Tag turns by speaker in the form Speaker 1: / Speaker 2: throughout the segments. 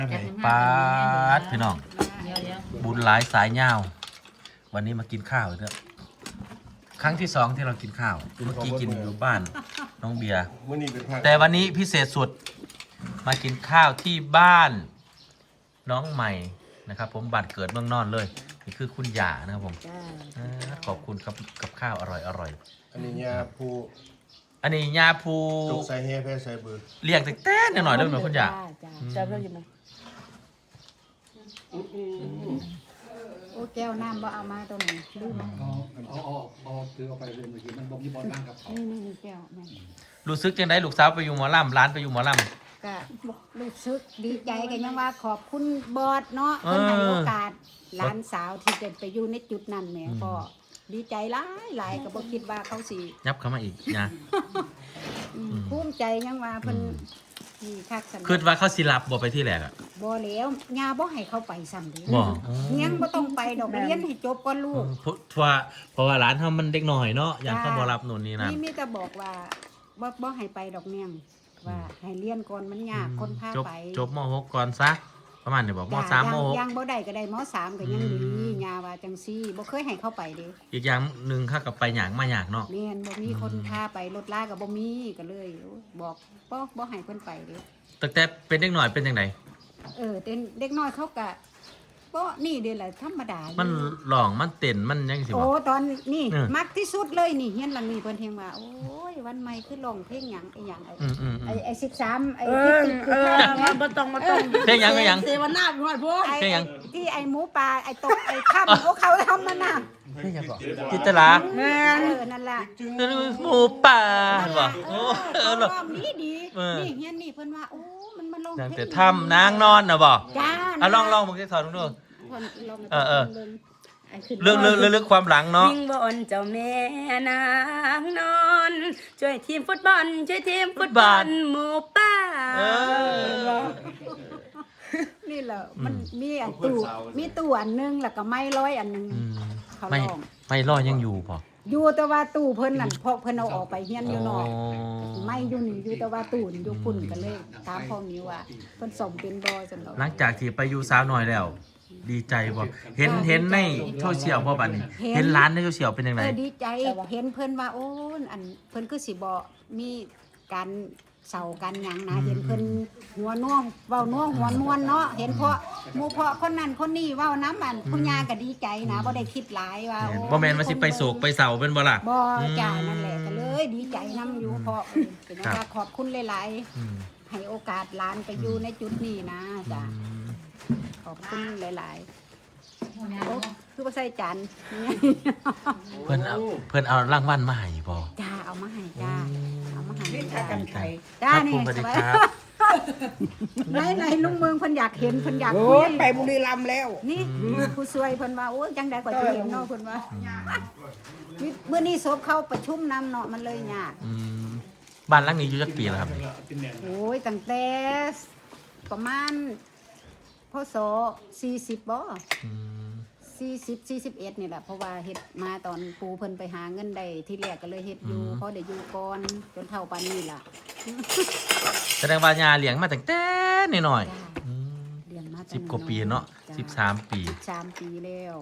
Speaker 1: ปาดพี่น้องบุญหลายสายยาววันนี้มากินข้าวเถอะครั้งที่สองที่เรากินข้าวเมื่อกี้กินอยู่บ้านน้องเบียร์แต่วันนี้พิเศษสุดมากินข้าวที่บ้านน้องใหม่นะครับผมบ้านเกิดเมืองนอนเลยนี่คือคุณย่านะครับผมขอบคุณครับกับข้าวอร่อย
Speaker 2: อันนี้ยาภู
Speaker 1: อันนี้ยาภู
Speaker 2: ใส่เฮแพ้ใส่เบอร์
Speaker 1: เรียกแต่หน่อยๆด้วยเหมือนคุณย่า
Speaker 3: จะเลิกยังไงโอ้แก้วน้ำบ่เอามาตรงนี้ลืม
Speaker 4: เอาถือเอาไปเลยเมื่อกี้มันบ่มีบอลบ้างกับเขา
Speaker 3: นี่แก้วแม่
Speaker 1: รู้สึกยังไงลูกสาวไปอยู่หมอลำร้านไปอยู่หมอลำ
Speaker 3: ก็รู้สึกดีใจกันยังว่าขอบคุณบอสเนาะเพิ่นให้โอกาสหลานสาวที่จะไปอยู่ในจุดนั้นแม่ก็ดีใจหลายก็บ่คิดว่าเขาสิ
Speaker 1: ยับเข้ามาอีกนะ
Speaker 3: ภูมิใจยังว่าเพิ่นนี่คักสน
Speaker 1: คิดว่าเขาสิรับบ่ไปที่แรกอ่ะ
Speaker 3: บ่แล้วย่าบ่ให้เขาไปซ้ำเด้
Speaker 1: บ่
Speaker 3: ยังบ่ต้องไปดอกเรียนให้จบก่อนลูก
Speaker 1: เพราะว่าร้านเฮามันเด็กน้อยเนาะอย่างเขาบ่รับนู่นนี่นั่น
Speaker 3: มีแต่บอกว่าบ่ให้ไปดอกเนียงว่าให้เรียนก่อนมันยากคนพาไป
Speaker 1: จบม.6 ก่อนซะประมาณนี้บอกม.3 ม.6
Speaker 3: ยังบ่ได้ก็ได้ม.3ก็ยังดีย่าว่าจังซี่บ่เคยให้เขาไปเด้
Speaker 1: อีกอย่างนึงข้ากับไปหยางมาหยางเนาะ
Speaker 3: แม่นบ่มีคนพาไปรถลาก็บ่มีก็เลยบอกบ่ให้เพิ่นไปเด้
Speaker 1: ตั้งแต่เป็นเด็กน้อยเป็นจังได
Speaker 3: เด็กน้อยเขาก็บ่นี่เด้แหละธรรมดา
Speaker 1: มันร้องมันเต้นมันยังสิบ่
Speaker 3: โอ้ตอนนี่มักที่สุดเลยนี่เฮียนหลังนี้เพิ่นเฮงว่าโอ้ยวันใหม่คือร้องเพลงหยังไอ้หยังไอ้13ไอ้
Speaker 5: บ่ต้อง
Speaker 1: เพลงหยัง
Speaker 5: เสวนาพี่ฮอดพวก
Speaker 1: เพลงหยัง
Speaker 3: ที่ไอ้หมูป่าไอ้ตกไอ้ค่ำโอ้เขาทำมันน่ะ
Speaker 1: เพลงหยังบ่จิตลา
Speaker 3: แม่นนั่นล่ะ
Speaker 1: หมูป่าบ่โอ้
Speaker 3: ร้องดีนี่เฮียนนี่เพิ่นว่าโอ้มันร้องเพลง
Speaker 1: แต่ทำนางนอนน่ะบ่
Speaker 3: จ้า
Speaker 1: ลองมึงสิสอนดูเรื่องความหลังเนาะ
Speaker 5: ยิงบอลเจ้าแม่นางนอนช่วยทีมฟุตบอลหมูป่า
Speaker 3: นี่แหละมันมีอันตู้อันนึงแล้วก็ไม้ร้อยอันนึงเขาลอง
Speaker 1: ไม้ร้อยยังอยู่ป่ะ
Speaker 3: อยู่แต่ว่าตู้เพิ่นนั่นพอเพิ่นเอาออกไปเฮียนอยู่นอกไม่อยู่นี่อยู่แต่ว่าตู้อยู่พุ่นกันเลยตามพ่อมีว่าเพิ่นสมเป็นบ่จังดอก
Speaker 1: หลังจากที่ไปอยู่สาวน้อยแล้วดีใจบ่เห็นในโซเชียลบ่บัดนี้เห็นร้านในโซเชียลเป็นจังได๋
Speaker 3: ดีใจเห็นเพิ่นว่าโอ้อันเพิ่นคือสิบ่มีการเสากันหยังนะเห็นเพิ่นหัวน่วงเว้าน่วงหัวนวลเนาะเห็นเพราะหมู่เพาะคนนั้นคนนี้เว้าน้ำอันผู้ย่าก็ดีใจนะบ่ได้คิดหลายว่า
Speaker 1: บ่แม่นว่าสิไปโศกไปเศร้าเป็นบ่ล่ะ
Speaker 3: บ่จ้านั่นแหละก็เลยดีใจนำอยู่เพราะเป็นว่าขอบคุณหลายๆให้โอกาสหลานไปอยู่ในจุดนี้นะจ้าขอบคุณหลายๆคือว่าใส่จาน
Speaker 1: เพิ่นเอารางวัลมาให้บ่
Speaker 3: จ้าเอามาให้จ้าเอามาให้
Speaker 5: จ้ากันไทย
Speaker 3: จ้านี่
Speaker 1: สวัสดีครับ
Speaker 3: ไหนลุงเมืองเพิ่นอยากเห็นเพิ่นอยาก
Speaker 5: คุยไปบุรีรัมย์แล้ว
Speaker 3: นี่ผู้ช่วยเพิ่นว่าโอ้ยจังได๋ก็สิเห็นเนาะเพิ่นว่ามื้อนี้ศพเข้าประชุมนำเนาะมันเลยยาก
Speaker 1: บ้านหลังนี้อยู่จักปีแล้วครับ
Speaker 3: โอ้ยตั้งแต่ประมาณพศ40บ่41นี่แหละเพราะว่าเฮ็ดมาตอนปูเพิ่นไปหาเงินได้ที่แรกก็เลยเฮ็ดอยู่พอได้อยู่ก่อนจนเท่าปานนี้ล่ะ
Speaker 1: แสดงว่าย่าเลี้ยงมาตั้งแต่น้อย
Speaker 3: ๆเลี้ยงมา
Speaker 1: 10กว่าปีเนาะ13ปี
Speaker 3: แล้ว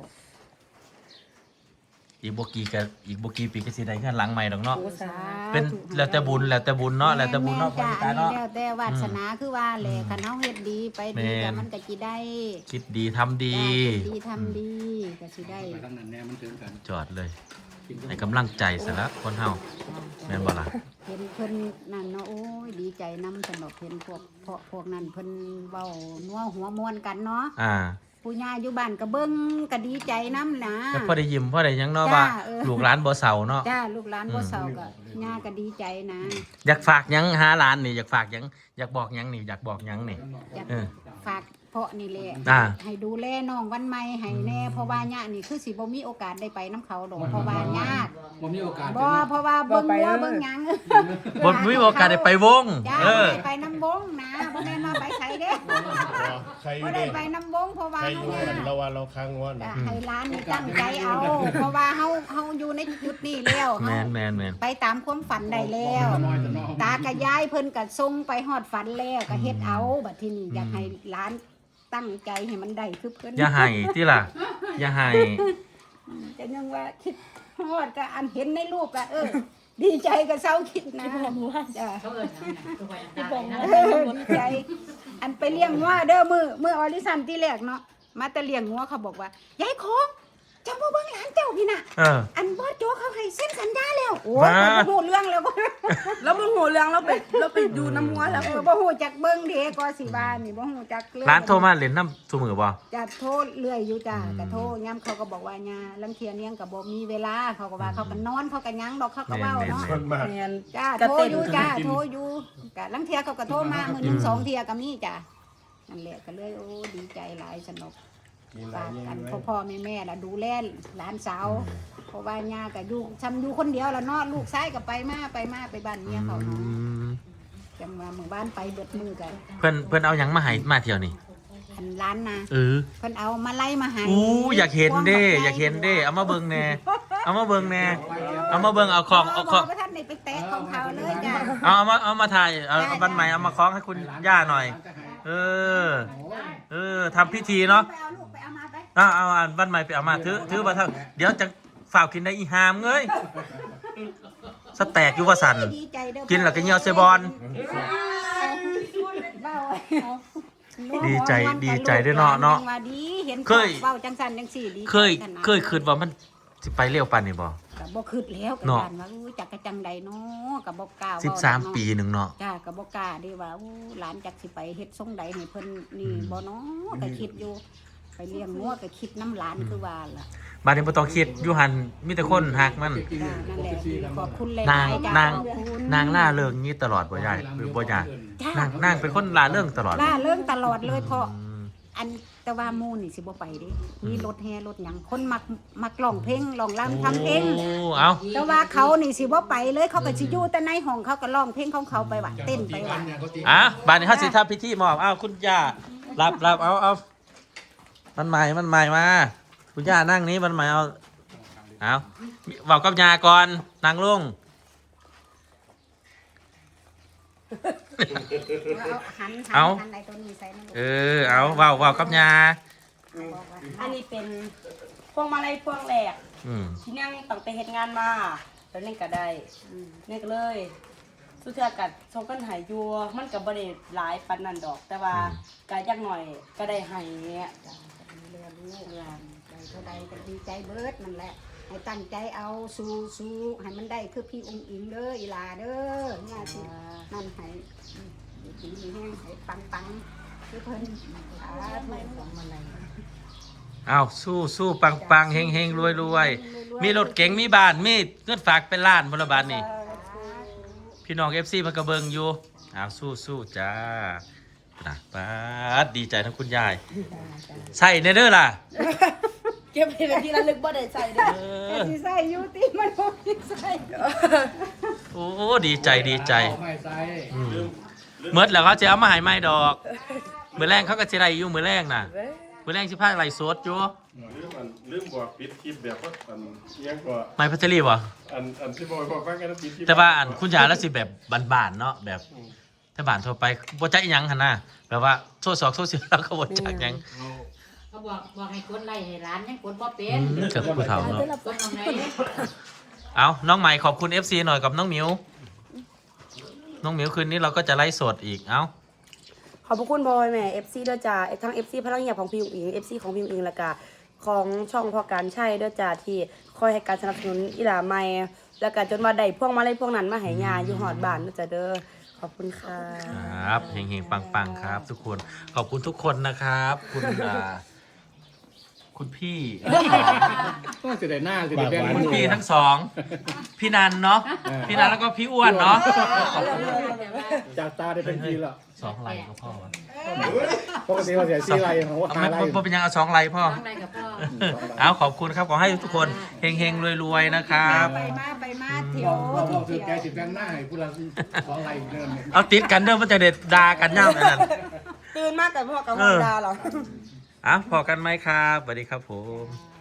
Speaker 1: อีกบ่กี่ปีก็สิได้เงินหลังใหม่ดอกเนาะเป็นแล้วแต่บุญเนาะแล้วแต่บุญเนาะ
Speaker 3: แล้วแต่วาสนาคือว่าแหละคันเฮาเฮ็ดดีไปดีก็มันก็สิได้
Speaker 1: คิดดีทำดี
Speaker 3: ก็สิได้
Speaker 1: จอดเลยให้กำลังใจซะละคนเฮาแม่นบ่ล่ะ
Speaker 3: เห็นเพิ่นนั่นเนาะโอ้ยดีใจนำสนุกเห็นพวกนั้นเพิ่นเว้านัวหัวม่วนกันเนาะผู้ย่าอยู่บ้านก็เบิ่งก็ดีใจนำนะ
Speaker 1: แล้วพอได้ยิ้มพอได้หยังเนาะว่าลูกหลานบ่เศร้าเนาะ
Speaker 3: จ้าลูกหลานบ่เศร้าก็ย่าก็ดีใจนะ
Speaker 1: อยากฝากหยังหาหลานนี่อยากฝากหยังอยากบอกหยังนี่อยากบอกหยังนี่
Speaker 3: ฝากเพาะนี่แหละให้ดูแลน้องวันใหม่ให้แน่เพราะว่าย่านี่คือสิบ่มีโอกาสได้ไปน้ำเขาดอกเพราะว่ายาก
Speaker 4: บ่มีโอกาส
Speaker 3: บ่เพราะว่าเบิ่งวัวเบิ่งหยัง
Speaker 1: บ่มีโอกาสได้ไปวง
Speaker 3: ไปน้ำวงนะบ่แม่นว่าไปไสเด้
Speaker 2: ใครอยู่
Speaker 3: บ่ได้ไปน้ำวงเพราะว่า
Speaker 2: ใครอ
Speaker 3: เฮา
Speaker 2: ยู่
Speaker 3: เนี่ย
Speaker 2: กันเราว่าเราค้างงอน
Speaker 3: จะให้ร้านนี่ตั้งใจเอาเพราะว่าเฮาอยู่ในจุดนี้แล้ว
Speaker 1: แม
Speaker 3: เฮาน
Speaker 1: แมนแมน
Speaker 3: ไปตามความฝันได้แล้ว ตากับยายเพิ่นก็ส่งไปฮอดฝันแล้วก็เฮ็ดเอาบัดทีนี้อยากให้ร้านตั้งใจให้มันได้คือเพิ่น
Speaker 1: อย่าให้ที่ล่ะอย่าให้
Speaker 3: จะยังว่าคิดฮอดก็อันเห็นในรูปก็ดีใจก็เศร้าคิดนะจ้ะ
Speaker 6: เขาเอิ้นหยังน่ะตัวไว้น้ำตาไหลนะ
Speaker 3: ดีใจ อันไปเลี้ยงงัวเด้อมือออริสันที่แรกเนาะมาแต่เลี้ยงงัวเขาบอกว่ายายของเจ้าบ่เบิ่งหลานเจ้าพี่น่ะ อันบอสโจเขาให้เซ็นสัญญาแล้วโอ้ยบ่ฮู้เรื่องแล้วบ่
Speaker 5: แล้วมึงหูเรื่องเราไปดูน้ำมัวแล้ว
Speaker 3: บ่ฮู้จักเบิ่งเด้ก็สิว่านี่บ่ฮู้จักเรื่อง
Speaker 1: ร้านโทรมาเล่นน้ำซุมือบ่
Speaker 3: จะโทรเรื่อยอยู่จ้ะก็โทรย้ำเขาก็บอกว่าญาลังเทียเนียงก็บ่มีเวลาเขาก็ว่าเขาก็นอนเขาก็หยังดอกเขาก็เว้าเนาะ
Speaker 2: คนมาก
Speaker 5: แม่น
Speaker 3: จ้าโทรอยู่จ้าโทรอยู่ก็ลังเทียเขาก็โทรมามื้อหนึง2เที่ยก็มีจ้ะนั่นแหละก็เลยโอ้ดีใจหลายสนุก
Speaker 2: มีหลา
Speaker 3: ฝาย ก
Speaker 2: อ
Speaker 3: กั
Speaker 2: ย่าน ง
Speaker 3: พ่อแม่ล่ะดูแลหลานสาวเพราะว่าย่าก็อยู่ซ้ำอยู่คนเดียวแล้วเนาะลูกชายก็ไปมาไปบ้านเมียเขาเนาะจังว่าหมู่บ้านไปเบิดมือกัน
Speaker 1: เพิ่นเอาหยังมาให้มาเที่ยวนี่
Speaker 3: อันร้านนะ
Speaker 1: เออ
Speaker 3: เพิ่นเอามาไล่มาให้
Speaker 1: อู้อยากเห็นเด้อยากเห็นเด้เอามาเบิ่งแน่เอามาเบิ่งแน่เอามาเบิ่งเอาของเอาของ
Speaker 3: บ่ท่านได้ไปแตะของเขาเลยจ้ะ
Speaker 1: เอามาถ่ายเอาบันใหม่เอามาคล้องให้คุณย่าหน่อย ทำพิธีเนาะ
Speaker 3: ไปเอาลูกไปเอามาไป
Speaker 1: เอาบันใหม่ไปเอามาถือมาเถอะเดี๋ยวจะฝากกินได้อีหามเงยสแต็กอยู่ว่าสั่น
Speaker 3: ดีใจเด้อ
Speaker 1: กินแล้วก็เหี่ยวเซบอน
Speaker 3: เว้า
Speaker 1: ดีใจด้วยเนาะ
Speaker 3: ว่าดีเห็น
Speaker 1: เคย
Speaker 3: เว้าจังซั่นจังซี่ดี
Speaker 1: เคยคิดว่ามันสิไปเร็วปานนี่บ่
Speaker 3: ก็บ่คิดแล้วก็
Speaker 1: เนาะ
Speaker 3: ย่านว่าอู้จักกะจังใดเนาะก็บ่กล้าเว้า
Speaker 1: 13 ปีหนึงเนาะ
Speaker 3: จ้าก็บ่กล้าเด้ว่าอู้หลานจักสิไปเฮ็ดทรงใดให้เพิ่นนี่บ่เนาะก็คิดอยู่ไปเลี้ยงงัวก็คิดน้ำหลานคือว่าล่ะ
Speaker 1: บัดนี้บ่ต้องคิดอยู่หันมีแต่คนฮักมัน
Speaker 3: จ้านั่นแหละขอบคุณหลาย
Speaker 1: นาง
Speaker 3: ๆจ้ะ
Speaker 1: นาง
Speaker 3: ขอบคุณ
Speaker 1: นางล่าเริงนี้ตลอดบ่ยายหรือบ่ยาย
Speaker 3: จ้ะ
Speaker 1: นางเป็นคนล่าเริงตลอด
Speaker 3: ล่าเรื่องตลอดเลยเพราะ
Speaker 1: อืม
Speaker 3: อันแต่ว่าหมู่นี่สิบ่ไปเด้มีรถแห่รถหยังคนมักร้องเพลงร้องรำทำเพลง
Speaker 1: โอ้เอา
Speaker 3: แต่ว่าเขานี่สิบ่ไปเลยเขาก็สิอยู่แต่ในห้องเขาก็ร้องเพลงของเขาไปว่าเต้นไปว่า
Speaker 1: บัดนี้เฮาสิทำพิธีมอบคุณย่ารับเอามันใหม่มาคุณย่านั่งนี้มันใหม่เอาเว้ากับย่าก่อนนั่งลง
Speaker 3: หัน
Speaker 1: เอา
Speaker 3: ไอ้ตัวนี้ใส่นั่น
Speaker 1: เอาเว้ากับย่า
Speaker 3: บอกว่า
Speaker 5: อันนี้เป็นพวงมาลัยพวงแรก
Speaker 1: อืม
Speaker 5: ที่นั่งตั้งแต่เฮ็ดงานมาแล้วนี่ก็ได้นี่ก็เลยสุดท้ายก็ส่งกันใหายอยู่มันก็บ่ได้หลายปานนั้นดอก แต่ว่าก็จักหน่อยก็ได้ให้เนี่ยจ้ะ
Speaker 3: เรือลูกหลานใจเท่าใดก็ดีใจเบิดนั่นแหละให้ตั้งใจเอาสู้ให้มันได้คือพี่องค์อิงเด้ออีหลาเด้อเนี่ยสินั่นให้ดีมีแห้งให้ปังคือเพิ่นไม่หวงมันอะไร
Speaker 1: เอาสู้ปังเฮงรวยมีรถเก๋งมีบ้านมีเงินฝากเป็นล้านบนบาทนี่พี่น้อง FC มันก็เบิ่งอยู่เอาสู้จ้านะป๊าดดีใจทั้งคุณยายใส่เนเด้อล่ะ
Speaker 5: เก็บให้เป็นที่ระลึกบ่ได้ใส่เด้อ
Speaker 3: สิใส่อยู่ติมันบ่สิใส่
Speaker 1: โอ้ดีใจ
Speaker 4: ไม่ใส่
Speaker 1: เมื่อแล้วเขาจะเอามาใหายไม้ดอกมือแรงเขาก็จะไรอยู่มือแรงน่ะมือแรงสิพาไรสดอยู่
Speaker 2: ลืมบอกปิดคลิปแบบว่าอันยังกว่า
Speaker 1: ไม้พัชรีบ่
Speaker 2: อันที่บอกฟังกันปิดคลิป
Speaker 1: แต่ว่าอันคุณยายแล้วสิแบบบานๆเนาะแบบถ้าบานทั่วไปบ่จักอิหยังหั่นน่ะแบบว่าโซ่2โซ่4แล้วก็บ่จักหยัง
Speaker 6: เขาบอกให้กดไล่ให้ร้านยังกดบ่เป็น
Speaker 1: เกิดผู้เฒ่าเนาะ
Speaker 6: กดตรงไหน
Speaker 1: เอาน้องใหม่ขอบคุณ FC หน่อยกับน้องหมิวน้องหมิวคืนนี้เราก็จะไลฟ์สดอีกเอ้า
Speaker 5: ขอบพระคุณบอยแม่ FC ด้วยจ้าทั้ง FC พลังเงียบของพี่อุ๋งอิง FC ของพี่อุ๋งอิงแล้วก็ของช่องพอการใช้ด้วยจ้าที่คอยให้การสนับสนุนอีหลาใหม่แล้วก็จนว่าได้พวกมาเลยพวกนั้นมาให้ยาอยู่หอดบ้านด้วยจ้าเด้อขอบคุณค่ะ
Speaker 1: ครับเฮงๆปังๆครับ ทุกคนขอบคุณทุกคนนะครับคุณพี่
Speaker 4: ต้องเสียดายหน้าเสียดายแบงค์
Speaker 1: คุณพี่ทั้งสองพี่นันเนาะพี่นันแล้วก็พี่อ้วนเนาะ
Speaker 4: จากตาได้เป็นทีละ
Speaker 1: 2 ไลค์ก็พอวะ
Speaker 4: ปกติเราเสียซีไรของว่า
Speaker 1: เอา
Speaker 4: หา
Speaker 1: ไม่
Speaker 4: ไร
Speaker 1: ไม่เป็นยังเอา2 ไลค์พ่อ
Speaker 6: ทางใดกับพ่อ
Speaker 1: เอาขอบคุณครับขอให้ทุกคนเฮงๆรวยๆนะครับ
Speaker 3: ไปมาเที่ยว
Speaker 4: บอกถือแกสิแบงค์หน้าให้ผู้ละ2ไรเดิน
Speaker 1: เอาติดกันเด้อมันจะเด็ดด่ากันย่ำนั่น
Speaker 5: ตื่นมากกับพ่อกับฮอนดาเหรอ
Speaker 1: พอกันไหมครับสวัสดีครับผม